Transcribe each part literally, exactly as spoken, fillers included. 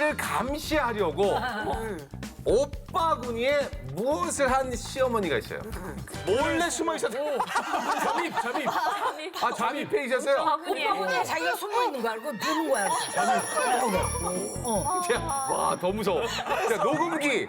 이거를 감시하려고 오빠군이에 무엇을 한 시어머니가 있어요. 몰래 숨어 있었어요. 잠입, 잠입. 아, 잠입해 있었어요? 오빠분이 자기가 숨어 있는 거 알고 누는 거야. 와, 더 무서워. 자, 녹음기,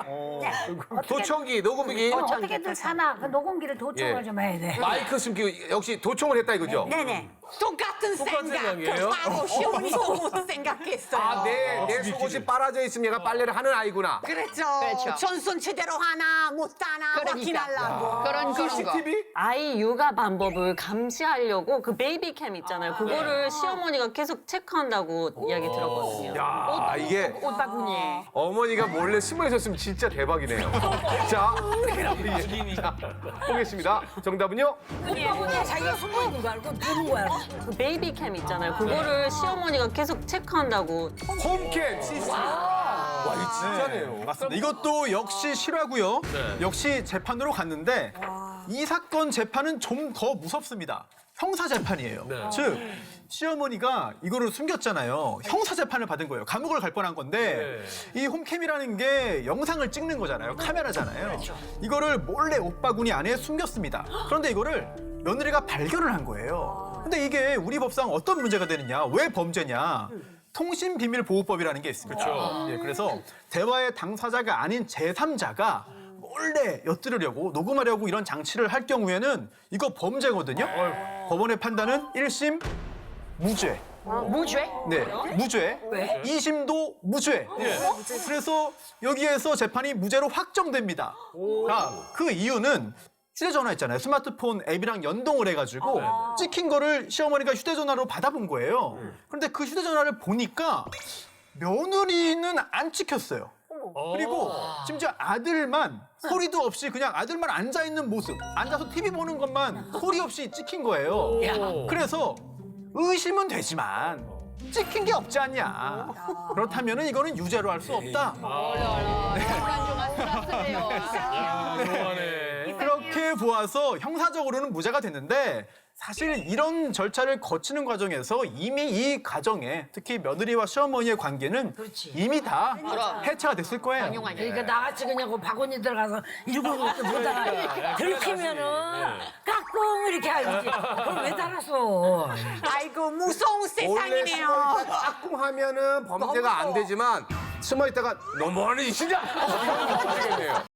도청기, 녹음기. 어, 어떻게든 사나 그 녹음기를 도청을 예. 좀 해야 돼. 마이크 숨기고 역시 도청을 했다 이거죠? 네네. 똑같은 똑같은 생각이에요? 생각을 하고 시어머니 속옷 생각했어요. 아, 내, 내 속옷이 빨아져 있으면 얘가 빨래를 하는 아이구나. 그랬죠. 그렇죠. 전손 제대로 하나 못 하나 그러니까. 확인하려고. 그런 그런 거. 씨씨티비? 아이 육아 방법을 감시하려고 그 베이비캠 있잖아요. 그거를 시어머니가 계속 체크한다고 이야기 들었거든요. 야, 이게 오빠분이. 어머니가 몰래 숨어 있었으면 진짜 대박이네요. 자, 예, 자, 보겠습니다. 정답은요? 오빠분이 자기가 숨어 있는 거 알고 누는 거야. 그 베이비캠 있잖아요. 그거를 시어머니가 계속 체크한다고. 홈캠, 씨씨티비. 와, 이거 진짜네요. 맞습니다. 이것도 역시 실화고요. 역시 재판으로 갔는데 이 사건 재판은 좀 더 무섭습니다. 형사 재판이에요. 네. 즉 시어머니가 이거를 숨겼잖아요. 형사 재판을 받은 거예요. 감옥을 갈 뻔한 건데 이 홈캠이라는 게 영상을 찍는 거잖아요. 카메라잖아요. 이거를 몰래 오빠군이 안에 숨겼습니다. 그런데 이거를 며느리가 발견을 한 거예요. 근데 이게 우리 법상 어떤 문제가 되느냐? 왜 범죄냐? 통신비밀보호법이라는 게 있습니다. 그렇죠. 예, 그래서 대화의 당사자가 아닌 제삼자가 몰래 엿들으려고 녹음하려고 이런 장치를 할 경우에는 이거 범죄거든요. 법원의 판단은 일 심 무죄. 무죄? 네, 무죄. 왜? 이 심도 무죄. 그래서 여기에서 재판이 무죄로 확정됩니다. 자, 그 이유는 휴대전화 있잖아요. 스마트폰 앱이랑 연동을 해가지고 찍힌 거를 시어머니가 휴대전화로 받아본 거예요. 그런데 그 휴대전화를 보니까 며느리는 안 찍혔어요. 그리고 심지어 아들만 소리도 없이 그냥 아들만 앉아있는 모습, 앉아서 티비 보는 것만 소리 없이 찍힌 거예요. 그래서 의심은 되지만 찍힌 게 없지 않냐. 그렇다면 이거는 유죄로 할 수 없다. 좋아하네. 그렇게 보아서 형사적으로는 무죄가 됐는데 사실 이런 절차를 거치는 과정에서 이미 이 가정에 특히 며느리와 시어머니의 관계는 이미 다 해체가 됐을 거예요. 그러니까 나같이 그냥 그 바구니 들어가서 일곱 것도 보다가 들키면은 까꿍 이렇게 하지. 그걸 왜 달았어? 아이고 무서운 원래 세상이네요. 숨어 있다 깍꿍 하면은 범죄가 안 되지만 숨어 있다가 너무 멀리 있으냐? 이거 되겠네요.